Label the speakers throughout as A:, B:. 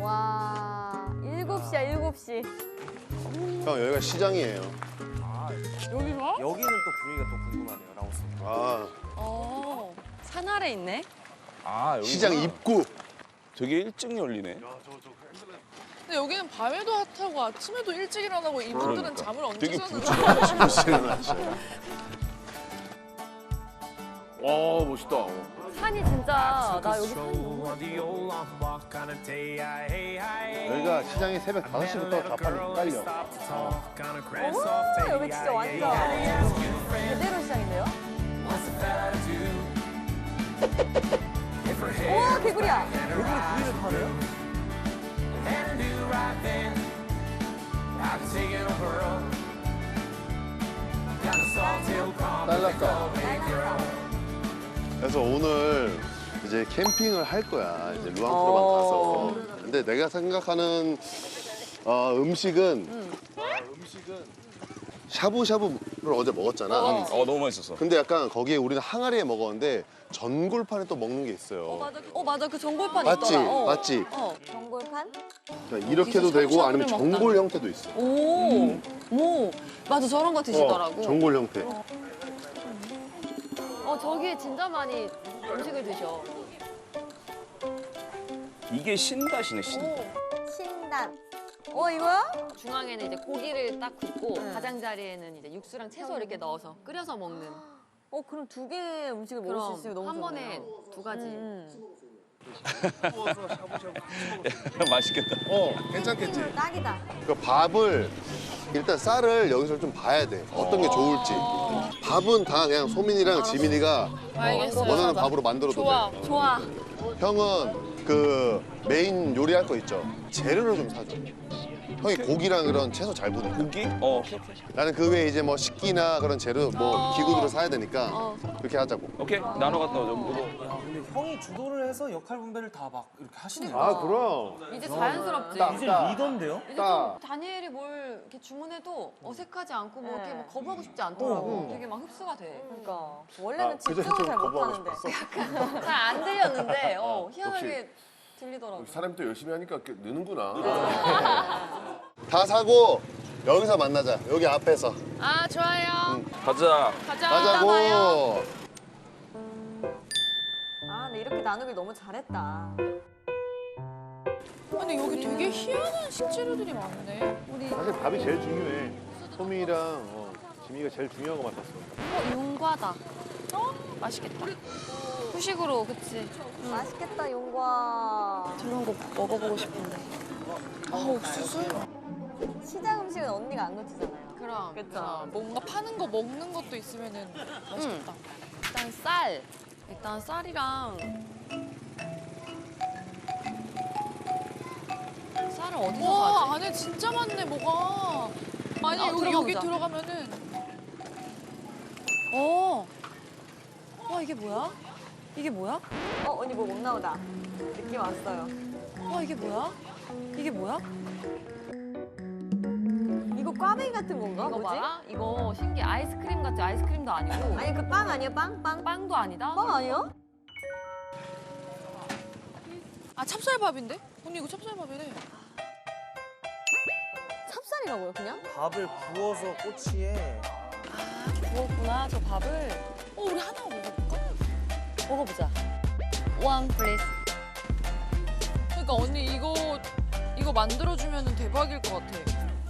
A: 와, 7시야, 7시.
B: 형 여기가 시장이에요.
C: 여기가?
D: 여기는 또 분위기가 또 궁금하네요, 라오스.
B: 아
A: 산 아래 있네.
C: 아, 여기
B: 시장 입구.
C: 되게 일찍 열리네.
E: 근데 여기는 밤에도 핫하고 아침에도 일찍 일어나고 이분들은
C: 그러니까.
E: 잠을 언제
C: 되게
E: 자는
C: 와, 멋있다.
A: 산이 진짜, 나 여기 산이 너무.
B: 여기가 시장이 새벽 5시부터 좌판이 깔려.
A: 오, 여기 진짜 완전 제대로 시장인데요? 우와, 개구리야.
D: 개구리 구이를 파네요?
B: 딸났다. 그래서 오늘 이제 캠핑을 할 거야. 이제 루앙프로만 가서. 근데 내가 생각하는 음식은 샤브샤브를 어제 먹었잖아.
C: 너무 맛있었어.
B: 근데 약간 거기에 우리는 항아리에 먹었는데 전골판에 또 먹는 게 있어요.
A: 맞아. 그 전골판
B: 맞지?
A: 있더라.
B: 맞지?
A: 전골판?
B: 그러니까 이렇게도 되고 아니면
E: 샤브샤브를
B: 전골 형태도 있어.
A: 오, 맞아. 저런 거 드시더라고.
B: 전골 형태.
A: 저기에 진짜 많이 음식을 드셔.
C: 이게 신다시네, 신.
A: 신단. 이거야? 중앙에는 이제 고기를 딱 굽고 가장자리에는 이제 육수랑 채소 이렇게 넣어서 끓여서 먹는.
F: 그럼 두 개의 음식을 먹을 수 있으면 너무
A: 한
F: 좋네요.
A: 번에 두 가지.
C: 맛있겠다.
B: 괜찮겠지?
F: 딱이다.
B: 그 밥을 일단 쌀을 여기서 좀 봐야 돼. 어떤 게 좋을지. 밥은 다 그냥 소민이랑 지민이가
E: 알겠어요.
B: 원하는 밥으로 만들어도
E: 좋아.
B: 돼.
A: 좋아.
B: 형은 그 메인 요리할 거 있죠? 재료를 좀 사줘. 형이 고기랑 이런 채소 잘 보니까.
C: 고기?
B: 나는 그 외에 이제 뭐 식기나 그런 재료, 뭐 기구들을 사야 되니까 그렇게 하자고.
C: 오케이. 나눠 갔다 오자.
D: 야, 근데 형이 주도를 해서 역할 분배를 다 막 이렇게 하시네요.
B: 그럼.
A: 이제 자연스럽지.
D: 이제 리더인데요?
A: 이제 좀 다니엘이 뭘 이렇게 주문해도 어색하지 않고 뭐 이렇게 막 거부하고 싶지 않더라고. 되게 막 흡수가 돼.
F: 그러니까 원래는
B: 그전에
F: 집중을
B: 좀
F: 잘
B: 거부하고
F: 못하는데.
B: 싶었어.
A: 잘 안 들렸는데 희한하게 들리더라고.
G: 사람이 또 열심히 하니까 느는구나.
B: 다 사고 여기서 만나자. 여기 앞에서.
E: 아, 좋아요.
C: 가자.
E: 가자.
B: 가자고.
F: 근데 이렇게 나누길 너무 잘했다.
E: 근데 여기 되게 희한한 식재료들이 많네.
B: 사실 밥이 제일 중요해. 소민이랑 지민이가 제일 중요한 거 맡았어.
A: 용과다. 맛있겠다. 후식으로, 그치?
F: 맛있겠다, 용과.
A: 저런 거 먹어보고 싶은데.
E: 옥수수?
F: 시장 음식은 언니가 안 놓치잖아요.
A: 그럼.
F: 그쵸?
E: 뭔가 파는 거 먹는 것도 있으면은 맛있겠다.
A: 일단 쌀. 일단 쌀이랑 쌀을 어디서
E: 와,
A: 사지?
E: 안에 진짜 많네, 뭐가. 아니, 여기
A: 들어가보자.
E: 들어가면은.
A: 와, 이게 뭐야? 이게 뭐야?
F: 언니 뭐 먹나 보다. 느낌 왔어요.
A: 와, 이게 뭐야? 이게 뭐야?
F: 이거 꽈배기 같은 건가?
A: 이거
F: 뭐지?
A: 봐라. 이거 신기해. 아이스크림 같지? 아이스크림도 아니고.
F: 아니 그 빵 아니야? 빵?
A: 빵도 아니다.
F: 빵 아니야?
E: 아, 찹쌀밥인데? 언니, 이거 찹쌀밥이래.
F: 찹쌀이라고요, 그냥?
D: 밥을 부어서 꼬치에
A: 그렇구나, 저 밥을.
E: 우리 하나 먹어볼까?
A: 먹어보자. One, please.
E: 그러니까 언니, 이거 만들어주면 대박일 것 같아.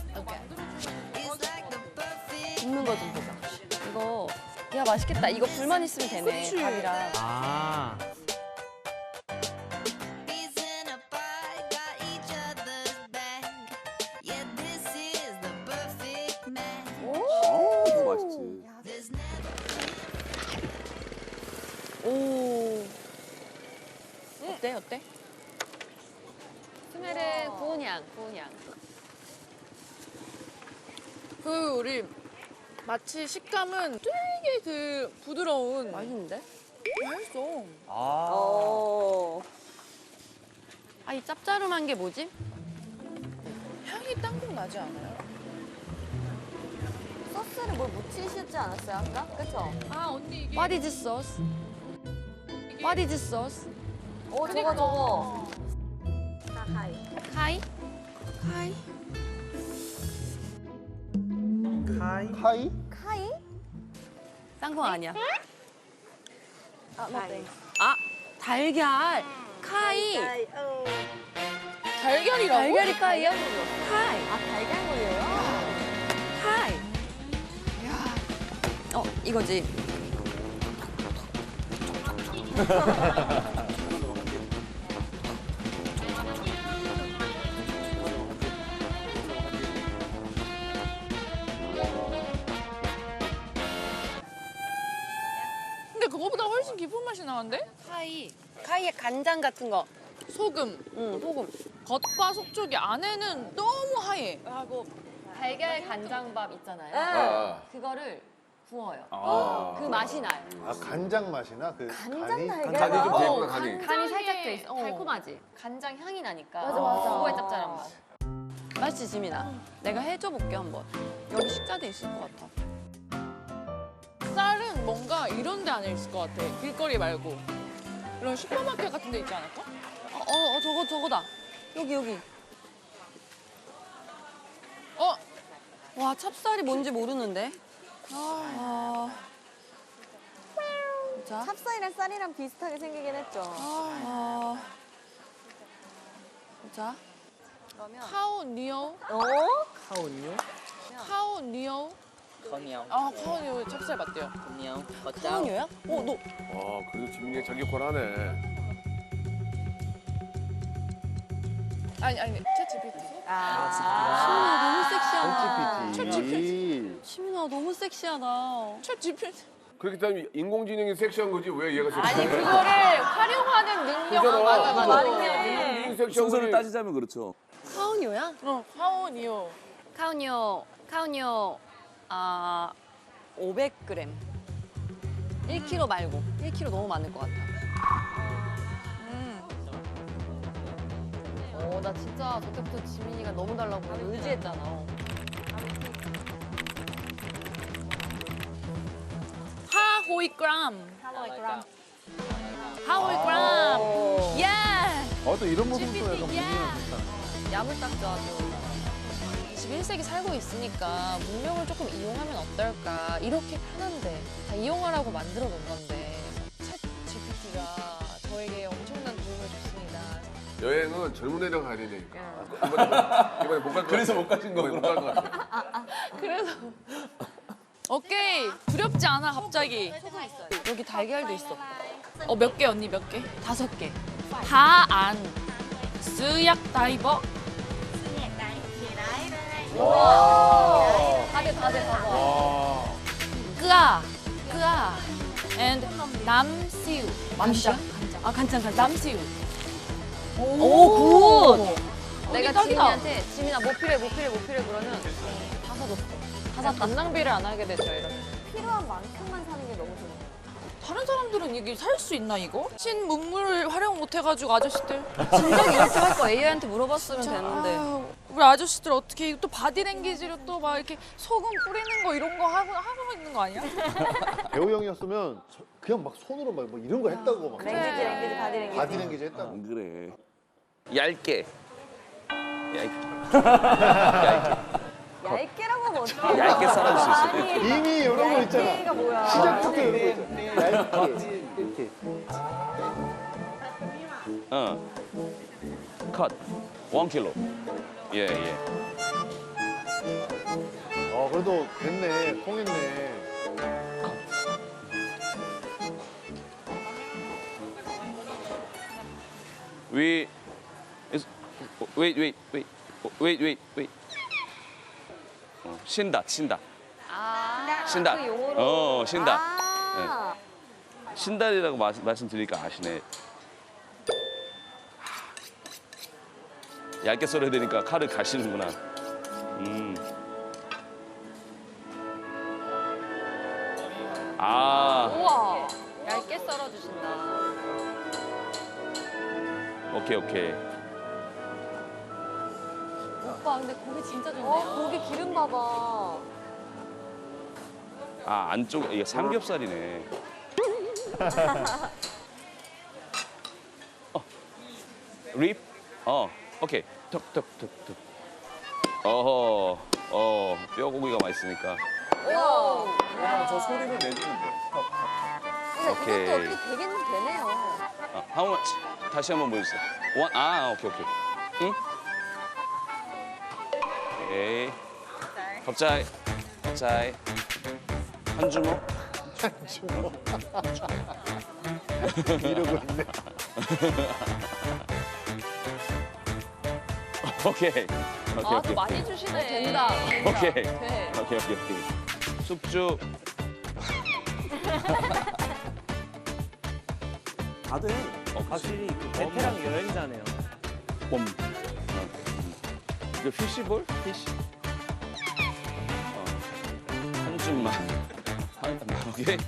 A: 굽는 거 좀 보자. 이거, 야, 맛있겠다. 이거 불만 있으면 되네,
E: 그치.
A: 밥이랑.
D: 아.
C: 너무 맛있지.
A: 오. 어때? 스멜은 구운 향.
E: 우리 마치 식감은 되게 그 부드러운.
A: 맛있는데?
E: 맛있어.
D: 아.
A: 이 짭짤한 게 뭐지?
E: 향이 땅콩 나지 않아요?
F: 소스를 뭘 묻히시지 않았어요, 아까? 그쵸?
E: 언니 이게.
A: What is sauce? What is sauce?
F: 저거. 하하이.
B: 카이?
F: 카이?
A: 땅콩 아니야.
F: 아, 맞네.
A: 아, 달걀. 카이.
E: 달걀이라고?
A: 달걀이 카이야? 카이.
F: 아, 달걀물이에요?
A: 카이. 이거지.
E: 근데 그거보다 훨씬 깊은 맛이 나는데?
A: 카이의 간장 같은 거.
E: 소금.
A: 응, 소금.
E: 겉바 속쪽이 안에는 너무 하얘.
A: 하고 달걀 간장밥 있잖아요.
G: 아.
A: 그거를 구워요.
C: 아.
A: 그 맛이 나요.
B: 아 간장 맛이나 그
F: 간장
B: 간이?
F: 달걀?
G: 간이 좀
F: 어,
G: 되구나, 간이.
A: 간이 살짝 돼 있어.
E: 어.
A: 달콤하지? 간장 향이 나니까.
F: 맞아, 맞아.
A: 그거의 짭짤한 맛. 맛있지, 지민아? 내가 해줘 볼게, 한번. 여기 식자도 있을 것 같아.
E: 쌀은 뭔가 이런 데 안에 있을 것 같아. 길거리 말고. 이런 슈퍼마켓 같은 데 있지 않을까?
A: 저거다. 여기.
E: 어?
A: 와, 찹쌀이 뭔지 모르는데? 자,
F: 찹쌀이랑 쌀이랑 비슷하게 생기긴 했죠.
A: 자. 그러면
E: 카오니오?
F: 어?
E: 카오니오? 아, 카오니오 찹쌀 맞대요.
A: 카운유야? 너
G: 아, 그래도 지민이가 자기 걸 하네.
E: 아니, 챗 GPT.
F: 아,
A: 너무 섹시하다.
B: GPT.
A: 시민아, 너무 섹시하다.
E: 챗 GPT.
G: 그렇기 때문에 인공지능이 섹시한 거지 왜 얘가 섹시해?
E: 아니, 그거를 활용하는 능력.
G: 그잖아.
F: 맞네.
G: 인공지능 섹시한
C: 순서를
G: 거지.
C: 따지자면 그렇죠.
A: 카운유야?
E: 카오니오.
A: 카운유, 500g. 1kg 말고. 1kg 너무 많을 것 같아. 나 진짜 저때부터 지민이가 너무 달라고 의지했잖아.
E: 하호이그람.
A: 하울그램. 야!
B: 또 이런 모습도 약간
E: GPT,
A: 야물딱져 아주.
E: 21세기 살고 있으니까 문명을 조금 이용하면 어떨까. 이렇게 편한데 다 이용하라고 만들어 놓은 건데. 챗 GPT가 저에게 엄청난 도움을 줬습니다.
G: 여행은 젊은 애랑 가야 되니까. 이번에 못 갈 것 같아.
C: 그래서 못 가신
G: 이번에
C: 거구나.
G: 못갈 것 같아.
E: 그래서 오케이. 두렵지 않아 갑자기.
A: 여기 달걀도 있어.
E: 몇 개 언니 몇 개?
A: 5개.
E: 하안 스약 다이버.
A: 다들 봐봐.
E: 끄아 and 남시우.
A: 간장? 간장.
E: 남시우.
A: 오, 굿! 내가
E: 딱이다.
A: 지민이한테 지민아 뭐 필요해 그러면 다 사줬어. 다 샀다.
E: 낭비를 안 하게 되죠 이러면.
F: 필요한 만큼만 사는 게 너무 좋아요.
E: 다른 사람들은 이게 살 수 있나 이거? 신문물을 활용 못 해가지고 아저씨들.
A: 진작 이렇게 할 거 AI한테 물어봤으면 되는데.
E: 아유, 우리 아저씨들 어떻게 또 바디랭귀지로 또 막 이렇게 소금 뿌리는 거 이런 거 하고 있는 거 아니야?
B: 배우 형이었으면 그냥 막 손으로 막 뭐 이런 거 했다고 막.
F: 랭귀지, 바디랭귀지.
B: 바디랭귀지 했다고.
C: 안 그래. 얇게.
F: 얇게라고 하면 어떡해.
C: 얇게 썰어줄 수 있어.
B: 이미 이런 거 있잖아.
F: 얇게가 뭐야.
B: 시작부터 이런 거 있잖아. 얇게. 이렇게.
C: 컷. 1kg. 예.
B: 그래도 됐네. 통했네.
C: Wait. 신다. 신다.
F: 그 용어로.
C: 신다.
F: 아,
C: 신달이라고 말씀드리니까 아시네. 얇게 썰어야 되니까 칼을 가시는구나.
A: 우와. 얇게 썰어주신다.
C: 오케이.
A: 오빠 근데 고기 진짜 좋네요.
F: 고기 기름 봐봐.
C: 안쪽에 이게 삼겹살이네. 립? 오케이. 턱. 뼈고기가 맛있으니까.
D: 왜냐면 저 소리를 내주는데.
C: 오케이.
F: 이것도 어떻게 되긴 되네요.
C: How much? 다시 한번 보여주세요. 오케이. 응? 오케이. 갑자기. 한 주먹?
B: 이러고 있네.
C: 오케이.
E: 아, 또 많이 주시네.
F: 된다.
C: 오케이.
E: 돼.
C: 오케이. 숙주.
D: 다들 확실히 그 베테랑 여행자네요.
C: 봄. 이거 피시볼? 피시. 한 줌만. 오케이.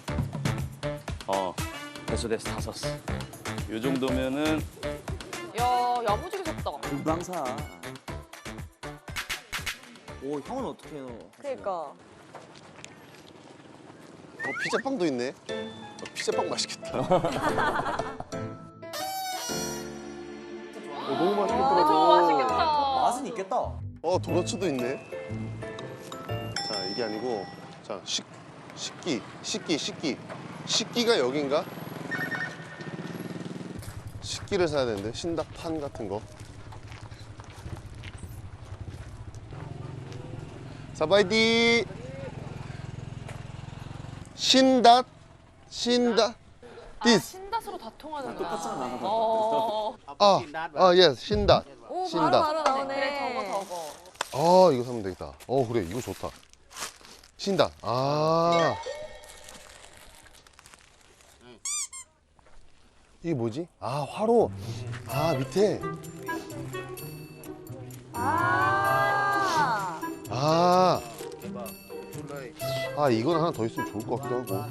C: 됐어. 다 섰어. 요 정도면은
E: 야, 야무지게 섰다.
D: 금방 사. 오, 형은 어떻게 해요?
F: 그러니까.
B: 피자빵도 있네. 피자빵 맛있겠다. 너무 맛있겠다.
E: 저거 맛있겠다.
D: 맛은 있겠다.
B: 도너츠도 있네. 자, 이게 아니고, 자, 식기가 여긴가? 식기를 사야 되는데, 신닭판 같은 거. 사바이디! 신닷? 디스.
E: 신다스로 다 통하는구나.
D: 똑같잖아.
B: 예, 신닷.
F: 오,
B: 신다.
F: 바로 나오네.
E: 그래, 저거.
B: 이거 사면 되겠다. 그래, 이거 좋다. 신다. 이게 뭐지? 화로. 밑에. 이거는 하나 더 있으면 좋을 것 같기도 하고.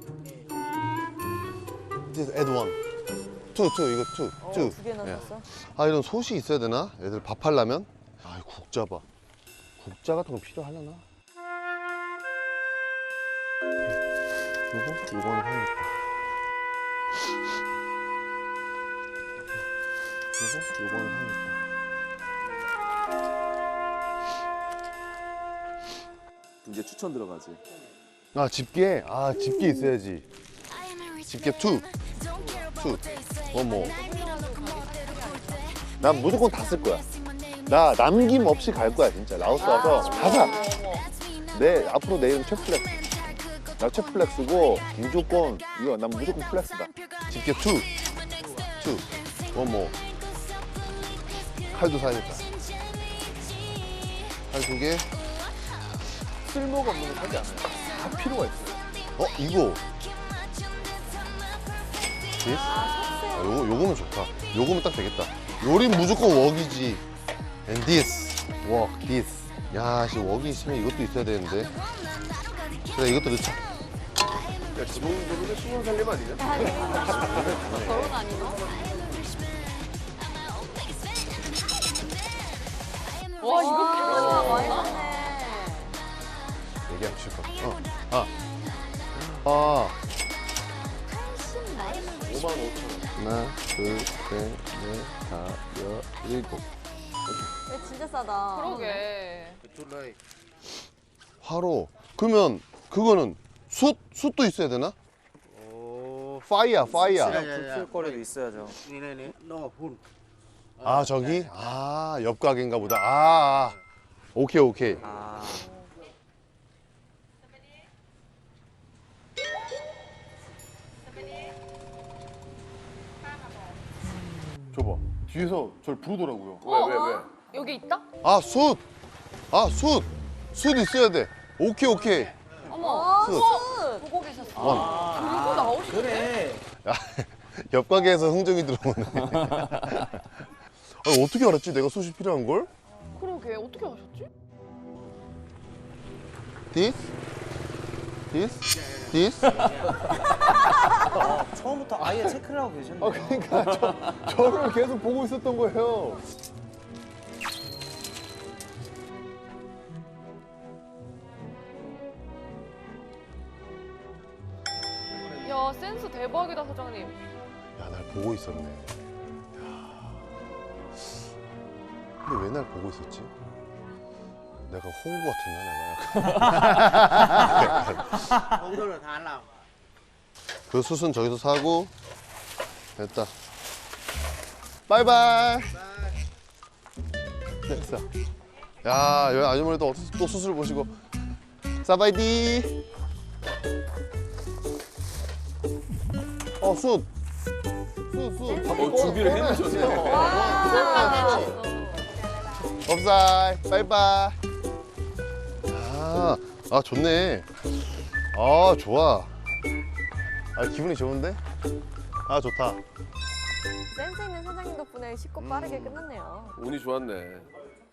B: This add one. two, 이거 two.
F: 두 개나
B: 예.
F: 샀어?
B: 이런 솥이 있어야 되나? 애들 밥하려면? 이 국자 봐. 국자 같은 거 필요하려나? 요거는 하겠다. 요거는 하겠다.
D: 이제 추천 들어가지.
B: 집게? 집게 있어야지. 집게 2. 뭐. 난 무조건 다 쓸 거야. 나 남김없이 갈 거야, 진짜. 라오스 와서 다 사. 앞으로 내 이름 최플렉스. 나 최플렉스고, 무조건, 난 무조건 플렉스다. 집게 2. 뭐. 칼도 사야겠다. 칼 2개.
D: 쓸모가 없는 거 사지 않아요. 다 필요가 있어요.
B: 이거. 요거면 좋다. 요거면 딱 되겠다. 요린 무조건 웍이지. And this. 웍, this. 야, 웍이 있으면 이것도 있어야 되는데. 그래, 이것도 넣자. 야, 지붕 20살 살림 아니냐?
F: 결혼 아니나?
E: 와, 이거
F: 많이
E: 괜찮아.
F: 샀네.
B: 얘기하면 싫을 것 같아. 55,000원. 하나, 둘, 셋, 넷, 다섯, 일곱.
F: 진짜 싸다.
E: 그러게.
B: 화로. 그러면 그거는 숯도 있어야 되나? 파이어.
D: 풀거리도 있어야죠.
B: 저기? 옆 가게인가 보다. 오케이. 줘봐. 뒤에서 저를 부르더라고요.
G: 왜?
E: 여기 있다?
B: 숯 있어야 돼. 오케이.
F: 어머,
B: 숯.
E: 보고 계셨어.
F: 이거 나오시
D: 그래.
B: 옆 가게에서 흥정이 들어오네. 어떻게 알았지? 내가 숯이 필요한 걸?
E: 그러게, 어떻게 아셨지?
B: This?
D: 처음부터 아예 체크를 하고 계셨네요.
B: 그러니까 저를 계속 보고 있었던 거예요.
E: 야, 센스 대박이다, 사장님.
B: 야, 날 보고 있었네. 근데 왜 날 보고 있었지? 내가 홍구 같았나 내가.
H: 홍도를 다 하려고.
B: 그 숯은 저기서 사고 됐다. 바이바이. 됐어. 야 여기 아주머니도 또 숯을 보시고 사바이디. 숯.
C: 준비를 해놓으셨네.
B: 업사이 바이바이. 아 좋네. 아 좋아. 아 기분이 좋은데? 아 좋다.
F: 센스 있는 사장님 덕분에 쉽고 빠르게 끝났네요.
G: 운이 좋았네.